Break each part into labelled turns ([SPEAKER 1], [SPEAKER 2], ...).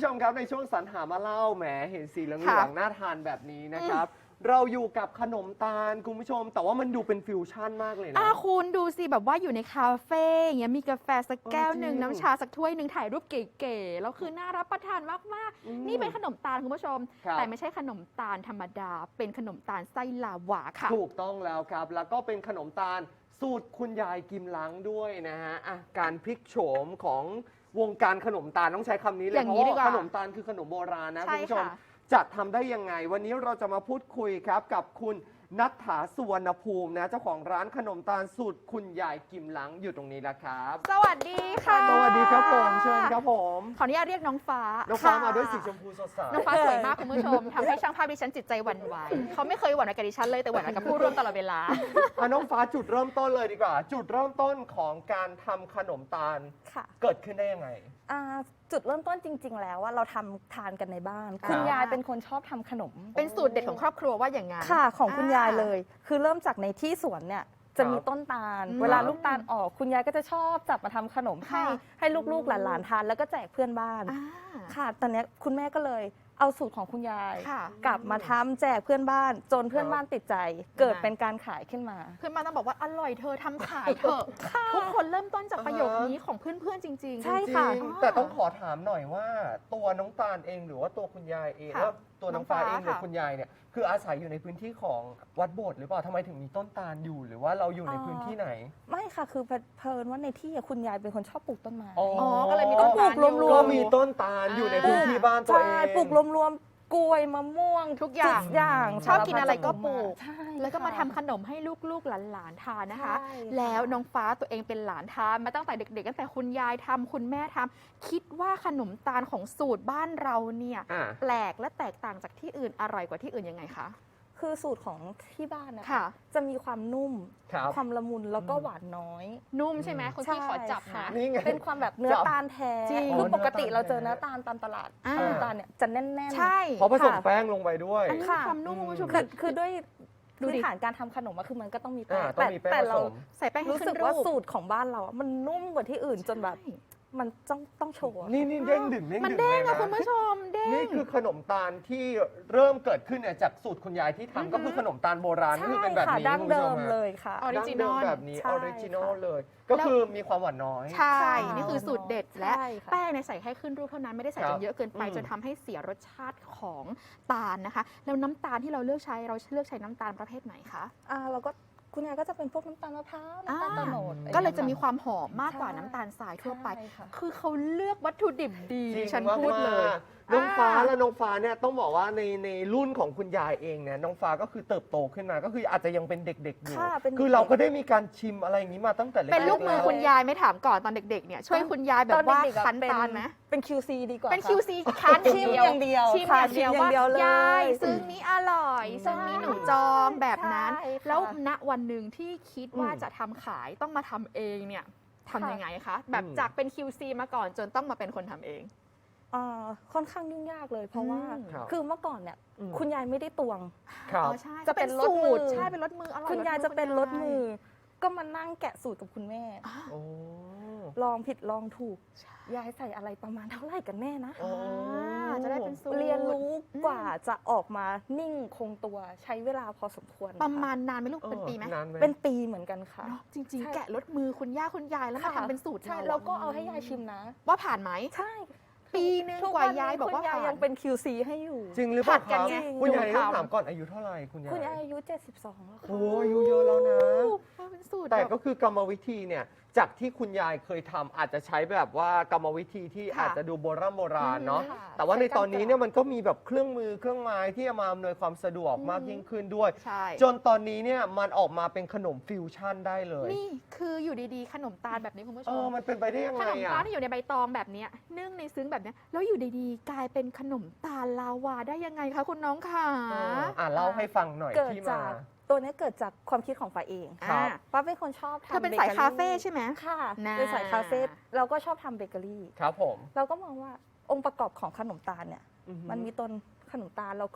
[SPEAKER 1] ชมครับในช่วงสรรหามาเล่าแหมเห็นสีเหลืองๆน่าทานแบบนี้นะครับเราอยู่กับขนมตาลคุณผู้ชมแต่ว่ามันดูเป็นฟิวชั่นมากเลยนะ
[SPEAKER 2] คุณดูสิแบบว่าอยู่ในคาเฟ่อย่างเงี้ยมีกาแฟสักแก้วหนึ่งน้ำชาสักถ้วยหนึ่งถ่ายรูปเก๋ๆแล้วคือน่ารับประทานมากๆนี่เป็นขนมตาลคุณผู้ชมแต่ไม่ใช่ขนมตาลธรรมดาเป็นขนมตาลไส้ลาวาค่ะ
[SPEAKER 1] ถูกต้องแล้วครับแล้วก็เป็นขนมตาลสูตรคุณยายกิมลังด้วยนะฮะการพลิกโฉมของวงการขนมตาลต้องใช้คำนี้เลยเพราะว่าขนมตาลคือขนมโบราณนะคุณผู้ชมจะทำได้ยังไงวันนี้เราจะมาพูดคุยครับกับคุณณัฐฐา สุวรรณภูมินะเจ้าของร้านขนมตาลสูตรคุณยายกิมลังอยู่ตรงนี้แล้วครับ
[SPEAKER 2] สวัสดีค่ะ
[SPEAKER 1] สวัสดีครับผมเชิญครับผม
[SPEAKER 2] ขออนุญาตเรียกน้องฟ้า
[SPEAKER 1] มาด้วยสีชมพูสดใส
[SPEAKER 2] น้องฟ้าสวยมากคุณผู้ชมทำให้ช่างภาพดิฉันจิตใจหวั่นไหวเขาไม่เคยหวั่นไหวกับดิฉันเลยแต่หวั่นไหวกับผู้ร่วมตลอดเวลา
[SPEAKER 1] น้องฟ้าจุดเริ่มต้นเลยดีกว่าจุดเริ่มต้นของการทำขนมตาลเกิดขึ้นได้ยังไง
[SPEAKER 3] จุดเริ่มต้นจริงๆแล้วว่าเราทำทานกันในบ้านคุณยายเป็นคนชอบทำขนม
[SPEAKER 2] เป็นสูตรเด็ดของครอบครัวว่าอย่างงั้น
[SPEAKER 3] ค่ะของคุณยายเลยคือเริ่มจากในที่สวนเนี่ยจะมีต้นตาลเวลาลูกตาลออกคุณยายก็จะชอบจับมาทำขนมให้ลูกๆหลานๆทานแล้วก็แจกเพื่อนบ้านค่ะตอนนี้คุณแม่ก็เลยเอาสูตรของคุณยายกลับมาทำแจกเพื่อนบ้านจนเพื่อนบ้านติดใจเกิดเป็นการขายขึ้นมา
[SPEAKER 2] เพื่อนบ้านต้องบอกว่าอร่อยเธอทำขายเถอะทุกคนเริ่มต้นจากประโยคนี้ของเพื่อนๆจริงๆ
[SPEAKER 3] ใช่ค่ะ
[SPEAKER 1] แต่ต้องขอถามหน่อยว่าตัวน้องตาลเองหรือว่าตัวคุณยายเองแล้วตัวน้องฟ้าเองหรือคุณยายเนี่ยคืออาศัยอยู่ในพื้นที่ของวัดโบสถ์หรือเปล่าทำไมถึงมีต้นตาลอยู่หรือว่าเราอยู่ในพื้นที่ไหน
[SPEAKER 3] ไม่ค่ะคือเพลินว่าในที่คุณยายเป็นคนชอบปลูกต้นไม้
[SPEAKER 2] ก็เลยมีต้นตาล
[SPEAKER 1] ก็มีต้นตาลอยู่ในพื้นที่บ้านตัวเอง
[SPEAKER 3] ปลูกรวมกล้วยมะม่วง
[SPEAKER 2] ทุกอย่างชอบกินอะไรก็ปลูกแล้วก็มาทำขนมให้ลูกๆหลานๆทานนะคะแล้วน้องฟ้าตัวเองเป็นหลานทานมาตั้งแต่เด็กๆตั้งแต่คุณยายทำคุณแม่ทำคิดว่าขนมตาลของสูตรบ้านเราเนี่ยแปลกและแตกต่างจากที่อื่นอร่อยกว่าที่อื่นยังไงคะ
[SPEAKER 3] คือสูตรของที่บ้านนะคะจะมีความนุ่มความละมุนแล้วก็หวานน้อย
[SPEAKER 2] นุ่มใช่ไหมคุณพี่ขอจับนะ
[SPEAKER 3] เป็นความแบบเนื้อตาลแท้คือปกติเราเจอเนื้อตาลตามตลาดเนื้อตาลเนี่ยจะแน่น
[SPEAKER 2] ๆใช่
[SPEAKER 1] เพราะผสมแป้งลงไปด้วย
[SPEAKER 2] อันนี้ความนุ่มคุณผู้ชม
[SPEAKER 3] คือด้วยพื้นฐานการทำขนมคือมันก็ต้องมีแป้ง
[SPEAKER 1] แต่
[SPEAKER 3] เรา
[SPEAKER 2] ใส่แป้ง
[SPEAKER 3] รู้สึกว่าสูตรของบ้านเรามันนุ่มกว่าที่อื่นจนแบบมันต้องโชว์
[SPEAKER 1] นี่เด้งดึง
[SPEAKER 2] มันเด้งอะคุณผู้ชมเด้ง
[SPEAKER 1] นี่คือขนมตาลที่เริ่มเกิดขึ้นเนี่ยจากสูตรคุณยายที่ทำก็คือขนมตาลโบราณที่เป็นแบบนี้
[SPEAKER 3] ดั้งเดิมเลยค่ะ
[SPEAKER 2] ออริจินอล
[SPEAKER 1] แบบนี้ออริจินอลเลยก็คือมีความหวานน้อย
[SPEAKER 2] ใช่นี่คือสูตรเด็ดและแป้งในใส่แค่ขึ้นรูปเท่านั้นไม่ได้ใส่จนเยอะเกินไปจนทำให้เสียรสชาติของตาลนะคะแล้วน้ำตาลที่เราเลือกใช้น้ำตาลประเภทไหนคะ
[SPEAKER 3] เราก็คุณยายก็จะเป็นพวกน้ำตาลมะพร้าวน้ำตาลโตโนด
[SPEAKER 2] ก็เลยจะมีความหอมมากกว่าน้ำตาลทรายทั่วไปคือเขาเลือกวัตถุดิบดีฉันพูดเลย
[SPEAKER 1] น้องฟ้าและน้องฟ้าเนี่ยต้องบอกว่าในรุ่นของคุณยายเองเนี่ยน้องฟ้าก็คือเติบโตขึ้นมาก็คืออาจจะยังเป็นเด็กๆอยู่คือเราก็ได้มีการชิมอะไรอย่างนี้มาตั้งแต่เล็ก
[SPEAKER 2] เป็นลูกมือคุณยายไม่ถามก่อนตอนเด็กๆเนี่ยช่วยคุณยายแบบว่าคั้นตาลไหม
[SPEAKER 3] เป็น QC ดีกว่า
[SPEAKER 2] เป็น QC คั้น
[SPEAKER 3] ชิมอย่างเดียว
[SPEAKER 2] ชิมอย่างเดียวว่ายายซึ่งนี้อร่อยซึ่งนี้หนูจองแบบนั้นแล้วณวันหนึ่งที่คิดว่าจะทำขายต้องมาทำเองเนี่ยทำยังไงคะแบบจากเป็น QC มาก่อนจนต้องมาเป็นคนทำเอง
[SPEAKER 3] ค่อนข้างยุ่งยากเลยเพราะว่าคือเมื่อก่อนเนี่ยคุณยายไม่ได้ตวง
[SPEAKER 2] จะเป็นรสมือใช่เป็นรสมืออร่อย
[SPEAKER 3] คุณยายจะเป็นรสมือก็มานั่งแกะสูตรกับคุณแม่ลองผิดลองถูกยายใส่อะไรประมาณเท่าไหร่กันแน่นะ
[SPEAKER 2] จะได้เป็นสูตร
[SPEAKER 3] เรียนรู้กว่าจะออกมานิ่งคงตัวใช้เวลาพอสมควร
[SPEAKER 2] ประมาณนานไหมลูกเป็นปีไหม
[SPEAKER 3] เป็นปีเหมือนกันค่ะ
[SPEAKER 2] จริงๆแกะรสมือคุณย่าคุณยายแล้วมาทำเป็นสูตร
[SPEAKER 3] ใช่แล้วก็เอาให้ยายชิมนะ
[SPEAKER 2] ว่าผ่านไหม
[SPEAKER 3] ใช่
[SPEAKER 2] ปีนึงกว่ายายบอกว่า
[SPEAKER 3] คุณยายยังเป็น QC ให้อยู่
[SPEAKER 1] จริงหรือเปล่าครับคุณยายต้องถามก่อนอายุเท่าไหร่คุณยาย
[SPEAKER 3] อายุ72แล้วค่ะ
[SPEAKER 1] โอ้อายุเยอะแล้วนะแต่ก็คือกรรมวิธีเนี่ยจากที่คุณยายเคยทำอาจจะใช้แบบว่ากรรมวิธีที่อาจจะดูโบราณเนาะแต่ว่าในตอนนี้เนี่ยมันก็มีแบบเครื่องมือเครื่องไม้ที่จะมาอำนวยความสะดวกมากยิ่งขึ้นด้วยจนตอนนี้เนี่ยมันออกมาเป็นขนมฟิวชั่นได้เลย
[SPEAKER 2] นี่คืออยู่ดีๆขนมตาลแบบนี้คุณผู้ชม
[SPEAKER 1] มันเป็นไปได้ยังไง
[SPEAKER 2] ขนมตาลที่อยู่ในใบตองแบบนี้นึ่งในซึ้งแบบนี้แล้วอยู่ดีๆกลายเป็นขนมตาลลาวาได้ยังไงคะคุณน้องค่ะ
[SPEAKER 1] เล่าให้ฟังหน่อยที่มา
[SPEAKER 3] ตัวนี้เกิดจากความคิดของฟ้าเองฟ้าเป็นคนชอบทำ
[SPEAKER 2] เธอเป็นสายคาเฟ่ใช่ไหม
[SPEAKER 3] ค่ะเป็นสายคาเฟ่เราก็ชอบทำเบเกอรี่
[SPEAKER 1] ครับผม
[SPEAKER 3] เราก็มองว่าองค์ประกอบของขนมตาลเนี่ยมันมีต้นขนมตาลแล้วก็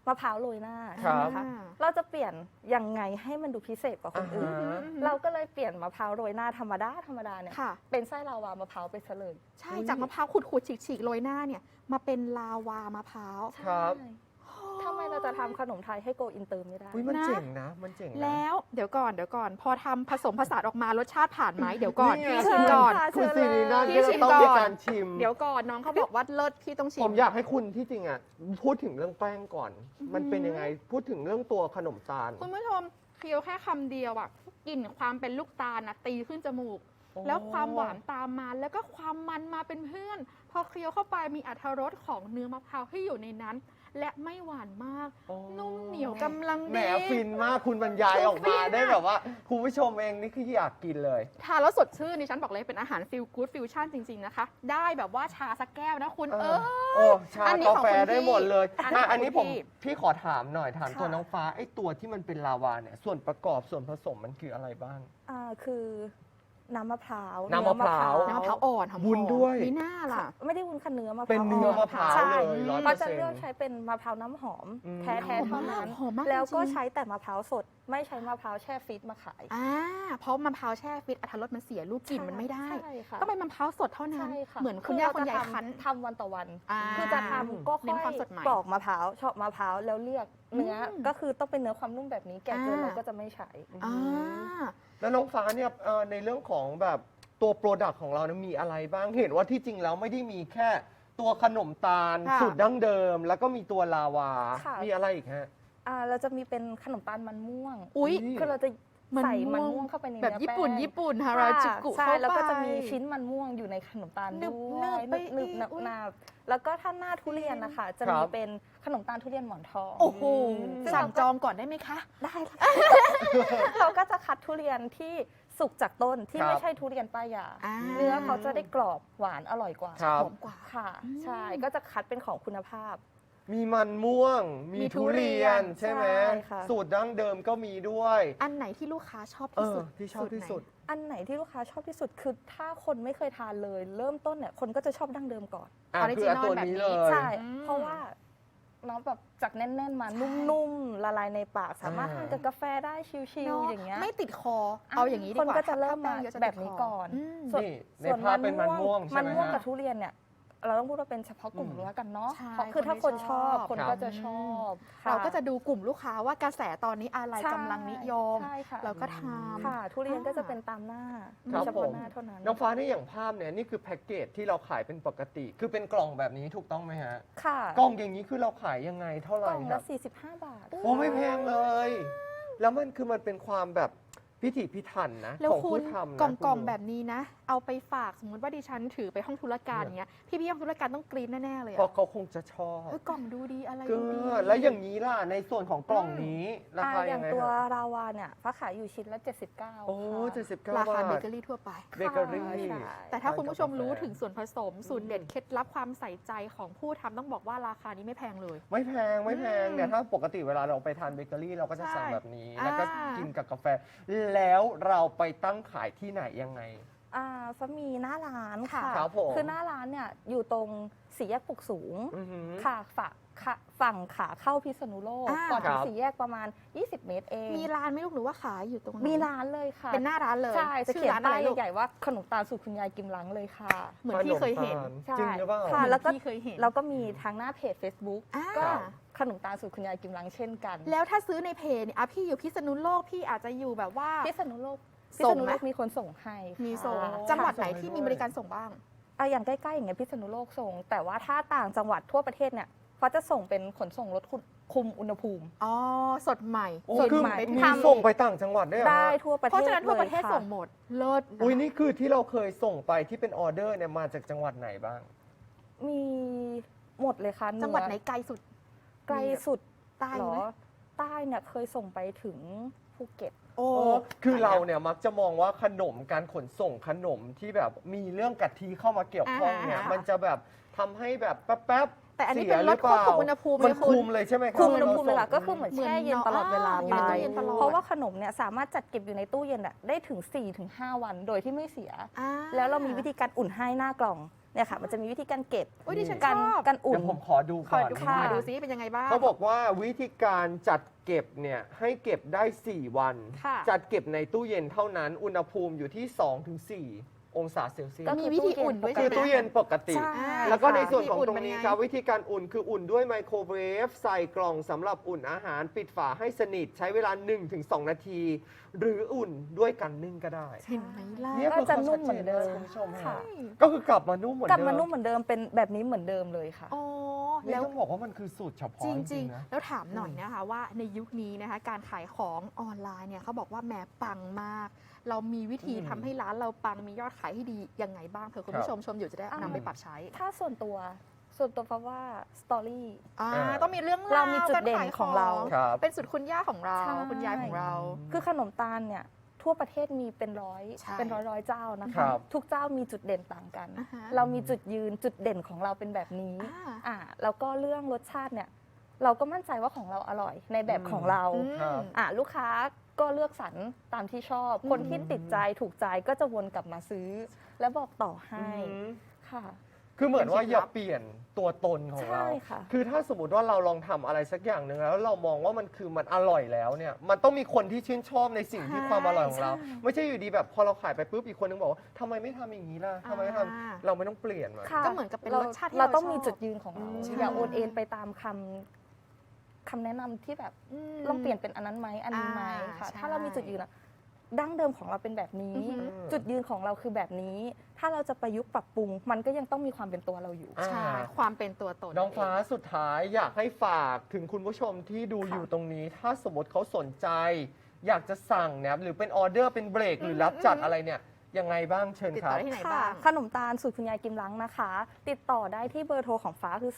[SPEAKER 3] มะพร้าวโรยหน้า
[SPEAKER 1] ครั
[SPEAKER 3] ใช่ไหม
[SPEAKER 1] บ
[SPEAKER 3] คะเราจะเปลี่ยนยังไงให้มันดูพิเศษกว่าคนอื่น เราก็เลยเปลี่ยนมะพร้าวโรยหน้าธรรมดาเนี่ย
[SPEAKER 2] ค่ะ
[SPEAKER 3] เป็นไส้ลาวามะพร้าวไปซะเลย
[SPEAKER 2] ใช่จากมะพร้าวขูดๆฉีกๆโรยหน้าเนี่ยมาเป็นลาวามะพร้าว
[SPEAKER 1] ครับ
[SPEAKER 3] ใช่ทำไมเราจะทำขนมไทยให้โกอินเตอร์ไม่ได้
[SPEAKER 1] อุ้ยมัน
[SPEAKER 2] นะ
[SPEAKER 1] เจ๋งนะมันเจ๋งนะ
[SPEAKER 2] แล้วเดี๋ยวก่อนพอทำผสมผสานออกมารสชาติผ่านไหมเดี๋ยวก่อน
[SPEAKER 1] นี่ไง
[SPEAKER 2] พี่ชิมก่อน
[SPEAKER 3] ค่ะ
[SPEAKER 1] คุณซีรีน่า
[SPEAKER 2] พี่
[SPEAKER 1] ก็
[SPEAKER 2] ชิ
[SPEAKER 1] จะ
[SPEAKER 2] ม
[SPEAKER 1] ต้อง
[SPEAKER 2] ก่อน
[SPEAKER 1] มีการชิม
[SPEAKER 2] เดี๋ยวก่อนน้องเขาบอกว่าเลิศพี่ต้องชิ
[SPEAKER 1] ผม มอยากให้คุณที่จริงอ่ะพูดถึงเรื่องแป้งก่อน มันเป็นยังไงพูดถึงเรื่องตัวขนมตาล
[SPEAKER 2] คุณผู้ชมเคี้ยวแค่คำเดียวอะกลิ่นความเป็นลูกตาลนะตีขึ้นจมูก แล้วความหวานตามมาแล้วก็ความมันมาเป็นเพื่อน พอเคี้ยวเข้าไปมีอรรถรสของเนื้อมะพร้าวที่อยู่ในนั้น และไม่หวานมาก
[SPEAKER 1] โอ้
[SPEAKER 2] นุ่มเหนียวกำลัง
[SPEAKER 1] แหม
[SPEAKER 2] ดี
[SPEAKER 1] ฟินมากคุณบรรยายออกมาได้แบบว่าคุณผู้ชมเองนี่คืออยากกินเลย
[SPEAKER 2] ทานแล้วสดชื่นดิฉันบอกเลยเป็นอาหารฟิลกู๊ดฟิวชั่นจริง ๆ นะคะ ได้แบบว่าชาสักแก้วนะคุณ
[SPEAKER 1] โอ้ชา
[SPEAKER 2] อันนี้
[SPEAKER 1] กา
[SPEAKER 2] ของ
[SPEAKER 1] แฟ
[SPEAKER 2] คุณ
[SPEAKER 1] ได้
[SPEAKER 2] พี่
[SPEAKER 1] หมดเลย
[SPEAKER 2] อันนี้
[SPEAKER 1] อันนี้
[SPEAKER 2] ข
[SPEAKER 1] ผ
[SPEAKER 2] อง
[SPEAKER 1] ม
[SPEAKER 2] พี่
[SPEAKER 1] พี่ขอถามหน่อยถามตัว
[SPEAKER 3] ค่ะ
[SPEAKER 1] น้องฟ้าไอ้ตัวที่มันเป็นลาวาเนี่ยส่วนประกอบส่วนผสมมันคืออะไรบ้าง
[SPEAKER 3] คือน้ำมะพร้าว
[SPEAKER 1] น้ำมะพร้าว
[SPEAKER 2] น้ำมะพร้าวอ่อนหอมๆ
[SPEAKER 1] วุ้นด้วย
[SPEAKER 2] มีหน้าล่ะ
[SPEAKER 3] ไม่ได้วุ้นค่ะเนื้อมะพร้าว
[SPEAKER 1] เป็นเนื้อมะพร้าว
[SPEAKER 3] ใช่
[SPEAKER 1] เลย100%
[SPEAKER 3] เขาจะเลือกใช้เป็นมะพร้าวน้ำหอม
[SPEAKER 1] อืม
[SPEAKER 3] แท้ๆเท่านั้น
[SPEAKER 2] หอมมาก
[SPEAKER 3] แล้วก็
[SPEAKER 2] จริงๆ
[SPEAKER 3] ใช้แต่มะพร้าวสด ไม่ใช้มะพร้าวแช่ฟรีซมาขาย
[SPEAKER 2] เพราะมะพร้าวแช่ฟิตอรรถรสมันเสียลูกกลิ่นมันไม่ได้
[SPEAKER 3] ใช่ค่ะ
[SPEAKER 2] ต้องเป็นมะพร้าวสดเท่านั้น
[SPEAKER 3] ใช่ค่ะ
[SPEAKER 2] เหมือนคุณย่าคุณยาย
[SPEAKER 3] เรจะ
[SPEAKER 2] คั้น
[SPEAKER 3] ทำวันต่อวัน
[SPEAKER 2] อ่า
[SPEAKER 3] คือจะทำก็
[SPEAKER 2] เน้
[SPEAKER 3] ค่อน
[SPEAKER 2] ความสดใหม่
[SPEAKER 3] ยปอกมะพร้าวเฉาะมะพร้าวแล้วเลือกเนื้ออ
[SPEAKER 2] ม
[SPEAKER 3] ก็คือต้องเป็นเนื้อความนุ่มแบบนี้แก่เกิน
[SPEAKER 2] อ่า
[SPEAKER 3] เราก็จะไม่ใช้
[SPEAKER 2] อ่า
[SPEAKER 1] แล้วน้องฟ้าเนี่ยในเรื่องของแบบตัวโปรดักต์ของเราเนี่ยมีอะไรบ้างเห็นว่าที่จริงแล้วไม่ได้มีแค่ตัวขนมตาล
[SPEAKER 2] ค่ะ
[SPEAKER 1] สูตรดั้งเดิม แล้วก็มีตัวลาวา
[SPEAKER 3] ค่ะ
[SPEAKER 1] มีอะไรอีกฮะ
[SPEAKER 3] เราจะมีเป็นขนมตาลมันม่วง
[SPEAKER 2] อุ๊ย
[SPEAKER 3] คือเราจะใส่มันม่วงเข้าไปใน
[SPEAKER 2] แบบ
[SPEAKER 3] เนื้อ
[SPEAKER 2] ญี่ปุ่น
[SPEAKER 3] แป้ง
[SPEAKER 2] ญี่ปุ่นฮาราจูกุ
[SPEAKER 3] ใช่
[SPEAKER 2] เข้าไป
[SPEAKER 3] แล้วก็จะมีชิ้นมันม่วงอยู่ในขนมตาล
[SPEAKER 2] หนึบ
[SPEAKER 3] ด้วย
[SPEAKER 2] หนึบไป
[SPEAKER 3] หนึบ
[SPEAKER 2] อีก
[SPEAKER 3] หนับ
[SPEAKER 2] อุ๊ย
[SPEAKER 3] หนับแล้วก็ถ้าหน้าทุเรียนนะคะ จะ
[SPEAKER 1] ครั
[SPEAKER 3] มี
[SPEAKER 1] บ
[SPEAKER 3] เป็นขนมตาลทุเรียนหมอนทอง
[SPEAKER 2] โอ้โห
[SPEAKER 3] ซึ่ง
[SPEAKER 2] สั่งจองก่อนได้ไหมคะ
[SPEAKER 3] ได้ค่ะ เราก็จะคัดทุเรียนที่สุกจากต้นที่
[SPEAKER 1] ครับ
[SPEAKER 3] ไม่ใช่ทุเรียนป้ายยา
[SPEAKER 2] อ่า
[SPEAKER 3] เนื้อเขาจะได้กรอบหวานอร่อยกว่า
[SPEAKER 1] ครับ
[SPEAKER 2] หอมกว่า
[SPEAKER 3] ค่ะ
[SPEAKER 2] อืม
[SPEAKER 3] ใช่ก็จะคัดเป็นของคุณภาพ
[SPEAKER 1] มีมันม่วง มี
[SPEAKER 2] มีทุ
[SPEAKER 1] ทุ
[SPEAKER 2] เรี
[SPEAKER 1] เรี
[SPEAKER 2] ย
[SPEAKER 1] ย
[SPEAKER 2] น
[SPEAKER 1] นใช่ไหม
[SPEAKER 3] ใช่ค่ะ
[SPEAKER 1] สูตรดั้งเดิมก็มีด้วย
[SPEAKER 2] อันไหนที่ลูกค้าชอบที่สุด
[SPEAKER 1] ที่ชอบที่สุด
[SPEAKER 3] อันไหนที่ลูกค้าชอบที่สุดคือถ้าคนไม่เคยทานเลย เริ่มต้นเนี่ยคนก็จะชอบดั้งเดิมก่อน
[SPEAKER 1] อ่ะ
[SPEAKER 2] Original
[SPEAKER 1] คืออันตัวนี้เลย
[SPEAKER 3] ใช่
[SPEAKER 2] อืม
[SPEAKER 3] เพราะว่าน้องแบบจากแน่นๆมานุ่มๆละลายในปาก สามารถทานกับกาแฟได้ชิล
[SPEAKER 2] เนอะ
[SPEAKER 3] ๆอย่างเงี้ย
[SPEAKER 2] ไม่ติดคอ เอาอย่างนี้ดีกว่า
[SPEAKER 3] คนก็จะเริ่มมา
[SPEAKER 2] ถ้แป้งยอะจะ
[SPEAKER 3] แบ
[SPEAKER 2] ติด
[SPEAKER 3] บนี้
[SPEAKER 2] ค
[SPEAKER 3] ก่อน
[SPEAKER 2] ม
[SPEAKER 3] ส่วน
[SPEAKER 1] นี่ในภาพเป็นมันม่วงใช่
[SPEAKER 3] มัน
[SPEAKER 1] ไหม
[SPEAKER 3] ม่วง
[SPEAKER 1] ฮะ
[SPEAKER 3] กับทุเรียนเนี่ยเราต้องพูดว่าเป็นเฉพาะกลุ่มแล้วกันเนาะ
[SPEAKER 2] ใช่
[SPEAKER 3] เพราะคือถ้าคนชอบ
[SPEAKER 2] คน
[SPEAKER 3] คน
[SPEAKER 2] ที่ชอบ
[SPEAKER 3] ก็จะชอบค่
[SPEAKER 2] เราก็จะดูกลุ่มลูกค้าว่ากระแสตอนนี้อะไร
[SPEAKER 3] ใช่
[SPEAKER 2] กำลังนิยม
[SPEAKER 3] ใช่ค่ะ
[SPEAKER 2] เราก็ทำ
[SPEAKER 3] ค่ะ ทุเรียนก็จะเป็นตามหน้า
[SPEAKER 1] ครับ
[SPEAKER 3] เฉ
[SPEAKER 1] ผ
[SPEAKER 3] พาะ
[SPEAKER 1] ม
[SPEAKER 3] หน้าเท่านั้น
[SPEAKER 1] น้องฟ้าเนี่ยอย่างภาพเนี่ยนี่คือแพ็กเกจที่เราขายเป็นปกติ คือเป็นกล่องแบบนี้ถูกต้องไหมฮะ
[SPEAKER 3] ค่ะ
[SPEAKER 1] กล่องอย่างนี้คือเราขายยังไงเท่าไห
[SPEAKER 3] ก
[SPEAKER 1] ร่
[SPEAKER 3] ล่อง
[SPEAKER 1] ครั
[SPEAKER 3] ละ
[SPEAKER 1] บ
[SPEAKER 3] 45 บาท
[SPEAKER 1] โอ้ไม่แพงเลย แล้วมันคือมันเป็นความแบบพิถีพิถันนะ
[SPEAKER 2] แล้ว
[SPEAKER 1] ของ
[SPEAKER 2] คุ
[SPEAKER 1] ผู้
[SPEAKER 2] ณ
[SPEAKER 1] ทำนะ
[SPEAKER 2] กล่อง
[SPEAKER 1] คุณ
[SPEAKER 2] กล่อง
[SPEAKER 1] ดู
[SPEAKER 2] แบบนี้นะ เอาไปฝากสมมติว่าดิฉันถือไปห้องธุรการอย่างเงี้ยพี่ห้องธุรการต้องกรี๊ดแน่ๆเลย
[SPEAKER 1] เพราะ
[SPEAKER 2] อะ
[SPEAKER 1] เขาคงจะชอบ
[SPEAKER 2] เฮ้ยกล่องดูดีอะไร
[SPEAKER 1] ก็
[SPEAKER 2] ดูดี
[SPEAKER 1] แล้วอย่างนี้ล่ะในส่วนของกล่องนี้ราคา
[SPEAKER 3] อ
[SPEAKER 1] ยั
[SPEAKER 3] ย่าง ง
[SPEAKER 1] ไง
[SPEAKER 3] ตัว
[SPEAKER 1] ฮะ
[SPEAKER 3] ราวาเนี่ยฟ้าขายอยู่ชิ้นละ 79
[SPEAKER 1] โอ้
[SPEAKER 3] ค่ะ
[SPEAKER 1] 79
[SPEAKER 2] ราคา
[SPEAKER 1] บา
[SPEAKER 2] เบ
[SPEAKER 1] ท
[SPEAKER 2] เกอรี่ทั่วไป
[SPEAKER 1] เบเกอรี่
[SPEAKER 3] ใช่
[SPEAKER 2] แต่ถ้าคุณผู้ชมรู้ถึง
[SPEAKER 1] กาแฟ
[SPEAKER 2] ส่วนผสมสูตรเด็ดเคล็ดลับความใส่ใจของผู้ทำต้องบอกว่าราคานี้ไม่แพงเลย
[SPEAKER 1] ไม่แพงไม่แพง
[SPEAKER 2] อืม
[SPEAKER 1] เนี่ยถ้าปกติเวลาเราไปทานเบเกอรี่เราก็จะสั่ง
[SPEAKER 2] ใช่
[SPEAKER 1] แบบนี้
[SPEAKER 2] อ่า
[SPEAKER 1] แล้วก็กินกับกาแฟ แล้วเราไปตั้งขายที่ไหนยังไง
[SPEAKER 3] ฟ้ามีหน้าร้านค่ะ
[SPEAKER 1] ครับผม
[SPEAKER 3] คือหน้าร้านเนี่ยอยู่ตรงสี่แยกปลุกสูง
[SPEAKER 1] อือหือ
[SPEAKER 3] ค่ะฝั่งขาเข้าพิษณุโลก
[SPEAKER 2] อ่า
[SPEAKER 3] ก่อนถึ
[SPEAKER 1] ค
[SPEAKER 3] ง
[SPEAKER 1] รับ
[SPEAKER 3] สี่แยกประมาณ 20 เมตรเอง
[SPEAKER 2] มีร้านไหม่ลูกหรือว่าขายอยู่ตรงไหน
[SPEAKER 3] มีร้านเลยค่ะ
[SPEAKER 2] เป็นหน้าร้านเลย
[SPEAKER 3] ใช่จะ
[SPEAKER 2] ชื่
[SPEAKER 3] เขี
[SPEAKER 2] อย
[SPEAKER 3] น
[SPEAKER 2] ร้านอะ
[SPEAKER 3] ป้า
[SPEAKER 2] ไร
[SPEAKER 3] ย
[SPEAKER 2] ลูก
[SPEAKER 3] ใหญ่ๆว่าขนมตาลสูตรคุณยายกิมลังเลยค่ะ
[SPEAKER 2] เหมือนพี่เคยเห็น
[SPEAKER 1] ขม
[SPEAKER 3] ใช่
[SPEAKER 1] ตาลจริงหรือเปล่า
[SPEAKER 3] ค่ะ
[SPEAKER 2] เหมือน
[SPEAKER 3] แล้วก็
[SPEAKER 2] พี่เคยเห็น
[SPEAKER 3] เราก็มีทางหน้าเพจ Facebook
[SPEAKER 2] อ่า
[SPEAKER 3] ก็ขนมตาลสูตรคุณยายกิมลังเช่นกัน
[SPEAKER 2] แล้วถ้าซื้อในเพจเนี่ยพี่อยู่พิษณุโลกพี่อาจจะอยู่แบบว่า
[SPEAKER 3] พิษณุโลก
[SPEAKER 2] ส่งไหม
[SPEAKER 3] พิษณุโลกมีคนส่งให้ค่ะ
[SPEAKER 2] มีส่ง
[SPEAKER 3] ค่ะ
[SPEAKER 2] จังหวัดไหนที่มีบริการส่งบ้าง
[SPEAKER 3] อย่างใกล้ๆอย่างเงี้ยพิษณุโลกส่ง แต่ว่าถ้าต่างจังหวัดทั่วประเทศเนี่ยเขาจะส่งเป็นขนส่งรถคุมอุณหภูมิ
[SPEAKER 2] อ๋อ สดใหม่
[SPEAKER 1] โอ้
[SPEAKER 3] ส่วน
[SPEAKER 1] คือ
[SPEAKER 3] ใหม่
[SPEAKER 1] มี
[SPEAKER 3] ทำ
[SPEAKER 1] ส่งไปต่างจังหวัดด้วยเหรอ
[SPEAKER 3] ได้
[SPEAKER 1] ฮะ
[SPEAKER 3] ทั่วประเทศ
[SPEAKER 2] เพราะฉะนั้นทั่วประเทศ
[SPEAKER 3] ลยค่
[SPEAKER 2] ส่งหมด เลิศนะ
[SPEAKER 1] อุ้ยนี่คือที่เราเคยส่งไปที่เป็นออเดอร์เนี่ยมาจากจังหวัดไหนบ้าง
[SPEAKER 3] มีหมดเลยค่ะ
[SPEAKER 2] จังหวัดไหนไกลสุด
[SPEAKER 3] ไกลสุด
[SPEAKER 2] ใต้
[SPEAKER 3] เหร
[SPEAKER 2] ไห
[SPEAKER 3] อ
[SPEAKER 2] ม
[SPEAKER 3] ใต้เนี่ยเคยส่งไปถึงภูเก็ต
[SPEAKER 2] โอ้
[SPEAKER 1] คือเราเนี่ยมักจะมองว่าขนมการขนส่งขนมที่แบบมีเรื่องกะทิเข้ามาเกี่ยวข้องเนี่ยมันจะแบบทำให้แบบแป๊บๆ
[SPEAKER 2] แต่อันนี้
[SPEAKER 1] สีย
[SPEAKER 2] เป็นรถ
[SPEAKER 1] หอปล่า
[SPEAKER 2] ควบคุมอุณหภูมิ
[SPEAKER 1] มัน
[SPEAKER 2] เลยคุณ
[SPEAKER 1] คุมเลยใช่ไหมครับ
[SPEAKER 3] คุมอุณหภูมิ
[SPEAKER 1] ว
[SPEAKER 3] เว
[SPEAKER 1] ลา
[SPEAKER 3] ลาก็คือเหมือน
[SPEAKER 2] เหมือน
[SPEAKER 3] แช่เย็นตลอดเวลา
[SPEAKER 2] อยู่
[SPEAKER 3] ไป
[SPEAKER 2] ในตู้เย็นตลอด
[SPEAKER 3] เพราะว่าขนมเนี่ยสามารถจัดเก็บอยู่ในตู้เย็นได้ถึง 4-5 วันโดยที่ไม่เสีย
[SPEAKER 2] อ่า
[SPEAKER 3] แล้วเรามีวิธีการอุ่นให้หน้ากล่องเนี่ยค่ะมันจะมีวิธีการเก็บ
[SPEAKER 2] โอ้ยดิฉัน
[SPEAKER 3] การ
[SPEAKER 2] ชอบ
[SPEAKER 3] การอุ่
[SPEAKER 1] เดี๋
[SPEAKER 3] น
[SPEAKER 1] ยวผมขอดู
[SPEAKER 2] ข
[SPEAKER 1] ก่
[SPEAKER 2] อ
[SPEAKER 1] อน
[SPEAKER 2] ดู
[SPEAKER 3] ค่ะ
[SPEAKER 2] มาดูซิเป็นยังไงบ้าง
[SPEAKER 1] เขาบอกว่าวิธีการจัดเก็บเนี่ยให้เก็บได้ 4 วัน
[SPEAKER 2] ค่ะ
[SPEAKER 1] จัดเก็บในตู้เย็นเท่านั้น อุณหภูมิอยู่ที่ 2-4 องศาเซลเซีย
[SPEAKER 3] ก็
[SPEAKER 1] ส
[SPEAKER 2] มีวิธีอุ่นด้วย
[SPEAKER 1] คื
[SPEAKER 2] ใช่
[SPEAKER 1] อ
[SPEAKER 2] ไหม
[SPEAKER 1] ตู้เย็นปกติ
[SPEAKER 3] ใช่
[SPEAKER 1] แล้วก็ในส่วน
[SPEAKER 2] ค่ะ
[SPEAKER 1] ของตรงนี้
[SPEAKER 2] วิธีอุ่นเป็นไง
[SPEAKER 1] ครับวิธีการอุ่นคืออุ่นด้วยไมโครเวฟใส่กล่องสำหรับอุ่นอาหารปิดฝาให้สนิทใช้เวลา 1-2 นาที หรืออุ่นด้วยกันนึ่งก็ได้
[SPEAKER 2] เห็นไหมล่ะ
[SPEAKER 1] เนี่ย
[SPEAKER 3] ก็จะนุ่มเหมือนเดิม
[SPEAKER 1] คุณผู้ชม
[SPEAKER 3] ค่ะ
[SPEAKER 1] ฮะก็คือกลับมานุ่มเหมือน
[SPEAKER 3] กลับ
[SPEAKER 1] เดิม
[SPEAKER 3] มานุ่มเหมือนเดิมเป็นแบบนี้เหมือนเดิมเลยค่ะ
[SPEAKER 2] อ๋อ
[SPEAKER 1] นี่
[SPEAKER 2] แล้ว
[SPEAKER 1] ต้องบอกว่ามันคือสูตรเฉพาะ
[SPEAKER 2] จ
[SPEAKER 1] จ
[SPEAKER 2] ริ
[SPEAKER 1] ริ
[SPEAKER 2] ง
[SPEAKER 1] งๆนะ
[SPEAKER 2] ๆ แล้วถามหน่อยนะคะว่าในยุคนี้นะคะการขายของออนไลน์เนี่ยเขาบอกว่าแหมปังมาก เรามีวิธี
[SPEAKER 1] อืม
[SPEAKER 2] ทำให้ร้านเราปังมียอดขายที่ดียังไงบ้างเผื่อคุณผู้ชมชมอยู่จะได้นำไปปรับใช้
[SPEAKER 3] ถ้าส่วนตัวฟ้าว่าสตอรี่
[SPEAKER 2] ต้องมีเรื่อง
[SPEAKER 3] เรา
[SPEAKER 2] ว
[SPEAKER 3] มีจุดเด่น
[SPEAKER 2] กขาย
[SPEAKER 3] ของเรา
[SPEAKER 1] ครับ
[SPEAKER 2] เป็นสุดคุณย่าของเรา
[SPEAKER 3] ใช่
[SPEAKER 2] คุณยายของเรา
[SPEAKER 3] คือขนมตาลเนี่ยทั่วประเทศมีเป็นร้อย
[SPEAKER 2] ใช่
[SPEAKER 3] เป็นร้อยเจ้านะ
[SPEAKER 1] ครั
[SPEAKER 3] คะ
[SPEAKER 1] บ
[SPEAKER 3] ทุกเจ้ามีจุดเด่นต่างกัน
[SPEAKER 2] อ่าฮะ
[SPEAKER 3] เรามีจุดยืนจุดเด่นของเราเป็นแบบนี้
[SPEAKER 2] อ่า
[SPEAKER 3] แล้วก็เรื่องรสชาติเนี่ยเราก็มั่นใจว่าของเราอร่อยในแบบของเรา
[SPEAKER 1] ครับ
[SPEAKER 3] ลูกค้าก็เลือกสรรตามที่ชอบ คนที่ติดใจถูกใจก็จะวนกลับมาซื้อ และบอกต่อให้
[SPEAKER 1] อืม
[SPEAKER 3] ค่ะ
[SPEAKER 1] คือเหมือนว่าอย่าเปลี่ยนตัวตนของเรา
[SPEAKER 3] ใช่ค่ะ
[SPEAKER 1] คือถ้าสมมติว่าเราลองทำอะไรสักอย่างหนึ่งแล้วเรามองว่ามันอร่อยแล้วเนี่ย มันต้องมีคนที่ชื่นชอบในสิ่งที่ความอร่อยของเรา
[SPEAKER 3] ใช่
[SPEAKER 1] ไม่ใช่อยู่ดีแบบพอเราขายไปปุ๊บอีกคนนึงบอกว่าทำไมไม่ทำอย่างนี้ล่ะทำไมไม่ท
[SPEAKER 2] อ่า
[SPEAKER 1] ำเราไม่ต้องเปลี่ยนมัน
[SPEAKER 3] ค่ะ
[SPEAKER 2] ก็เหมือนกับเป็นรสชาติที่
[SPEAKER 3] เรา
[SPEAKER 2] เรา
[SPEAKER 3] ต้อง
[SPEAKER 2] ชอบ
[SPEAKER 3] มีจุดยืนของเรา
[SPEAKER 1] ใช่
[SPEAKER 3] อย่าโอนเอ็นไปตามคำแนะนำที่แบบ ลองเปลี่ยนเป็นอันนั้นไหมอันนี้ไหมค่ะ
[SPEAKER 2] ใช่
[SPEAKER 3] ถ้าเรามีจุดยืนอะดั้งเดิมของเราเป็นแบบนี้
[SPEAKER 2] อือฮึ
[SPEAKER 3] จุดยืนของเราคือแบบนี้ ถ้าเราจะประยุกต์ปรับปรุง มันก็ยังต้องมีความเป็นตัวเราอยู่
[SPEAKER 2] ใช่ความเป็นตัวตน
[SPEAKER 1] น้องฟ้าสุดท้ายอยากให้ฝากถึงคุณผู้ชมที่ดู
[SPEAKER 3] ค่ะ
[SPEAKER 1] อยู่ตรงนี้ ถ้าสมมติเขาสนใจ อยากจะสั่งเนี่ยหรือเป็นออเดอร์เป็นเบรกหรือรับจัดอะไรเนี่ยยังไงบ้างเชิญ
[SPEAKER 2] ติด
[SPEAKER 1] ค
[SPEAKER 2] ต่
[SPEAKER 1] รั
[SPEAKER 2] อบ ได้ที่ไหน
[SPEAKER 3] ค่ะ
[SPEAKER 2] บ้าง
[SPEAKER 3] ขนมตาลสูตรคุณยายกิมลังนะคะ ติดต่อได้ที่เบอร์โทรของฟ้าคือ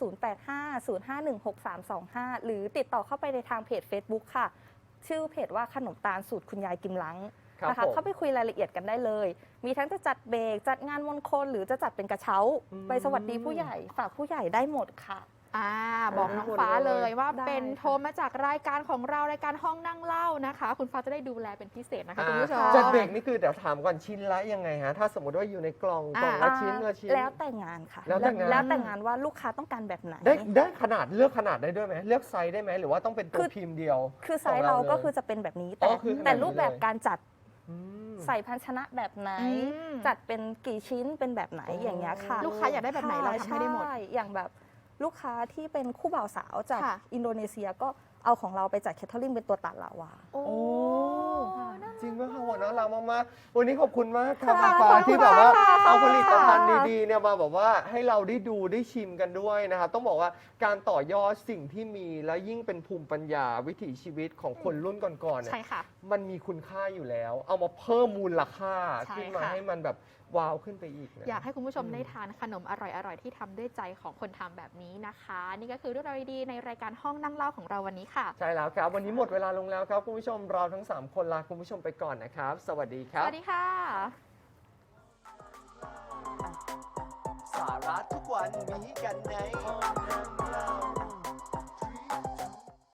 [SPEAKER 3] 0850516325 หรือติดต่อเข้าไปในทางเพจ Facebook ค่ะ ชื่อเพจว่าขนมตาลสูตรคุณยายกิมลัง
[SPEAKER 1] ครับ
[SPEAKER 3] นะคะ
[SPEAKER 1] ผม
[SPEAKER 3] เข้าไปคุยรายละเอียดกันได้เลย มีทั้งจะจัดเบรกจัดงานมงคลหรือจะจัดเป็นกระเช้า
[SPEAKER 1] อืม
[SPEAKER 3] ไปสวัสดีผู้ใหญ่ฝากผู้ใหญ่ได้หมดค่ะ
[SPEAKER 2] บอกน้องฟ้าเลยว่า
[SPEAKER 3] ได้
[SPEAKER 2] เป็น
[SPEAKER 3] ค่ะ
[SPEAKER 2] โทรมาจากรายการของเรารายการห้องนั่งเล่านะคะ คุณฟ้าจะได้ดูแลเป็นพิเศษนะคะคุณผู้ชม
[SPEAKER 1] จัดเบรกนี่คือเดี๋ยวถามก่อนชิ้นละยังไงฮะถ้าสมมติว่าอยู่ในกล่องละชิ้นละชิ้น
[SPEAKER 3] แล้วแต่งานค่ะ
[SPEAKER 1] แล้วแต่งาน
[SPEAKER 3] แล้วแต่งานว่าลูกค้าต้องการแบบไหน
[SPEAKER 1] ได้ขนาดเลือกขนาดได้ด้วยไหมเลือกไซส์ได้ไหมหรือว่าต้องเป็นตั
[SPEAKER 3] คื
[SPEAKER 1] ว
[SPEAKER 3] อ
[SPEAKER 1] พิมพ์เดียว
[SPEAKER 3] คือไซส์เราก็คือจะเป็นแบบนี้
[SPEAKER 1] อ๋อคือขนาดนี้
[SPEAKER 3] แต่รูปแบบการจัด
[SPEAKER 1] อืม
[SPEAKER 3] ใส่ภาชนะแบบไหน
[SPEAKER 2] อืม
[SPEAKER 3] จัดเป็นกี่ชิ้นเป็นแบบไหน
[SPEAKER 1] อ๋ออ
[SPEAKER 3] อย่างเงี้ยค่ะ
[SPEAKER 2] ลูกค้าอยากได้แบบไหนเราทำให้ได้หมด
[SPEAKER 3] ช่อย่างแบบลูกค้าที่เป็นคู่บ่าวสาวจาก
[SPEAKER 2] ค่ะ
[SPEAKER 3] อินโดนีเซียก็เอาของเราไปจัดแคทเทอริงเป็นตัวตัดลาวา
[SPEAKER 2] โอ้
[SPEAKER 1] โอ้
[SPEAKER 2] น่ารัก
[SPEAKER 1] จริงไหมคะหัวน่ารักมากๆวันนี้ขอบคุณมากครับ
[SPEAKER 3] ค่ะ
[SPEAKER 1] ฟ้า
[SPEAKER 3] ขอบคุณ
[SPEAKER 1] ที่แบบว่า
[SPEAKER 3] ค่ะ
[SPEAKER 1] เอาผลิตภัณฑ์ดีๆเนี่ยมาแบบว่าให้เราได้ดูได้ชิมกันด้วยนะครับต้องบอกว่าการต่อยอดสิ่งที่มีและยิ่งเป็นภูมิปัญญาวิถีชีวิตของคนรุ่นก่อนๆเนี่ย
[SPEAKER 2] ใช่ค่ะ
[SPEAKER 1] มันมีคุณค่าอยู่แล้ว เอามาเพิ่มมูลค่า
[SPEAKER 2] ใช่
[SPEAKER 1] ขึ้นมา
[SPEAKER 2] ค่ะ
[SPEAKER 1] ให้มันแบบว้าวขึ้นไปอีกนะ
[SPEAKER 2] อยากให้คุณผู้ชม
[SPEAKER 1] อืม
[SPEAKER 2] ได้ทานขนมอร่อยๆ ที่ทำด้วยใจของคนทำแบบนี้นะคะ นี่ก็คือเรื่องราวดีๆในรายการห้องนั่งเล่าของเราวันนี้ค่ะ
[SPEAKER 1] ใช่แล้วครับ วันนี้หมดเวลาลงแล้วครับ คุณผู้ชมเราทั้ง 3 คนลาคุณผู้ชมไปก่อนนะครับ สวัสดีค
[SPEAKER 2] ส
[SPEAKER 1] รับ
[SPEAKER 2] วัสดีค่ะ
[SPEAKER 4] สาระทุกวันมีกันในห้องนั่ง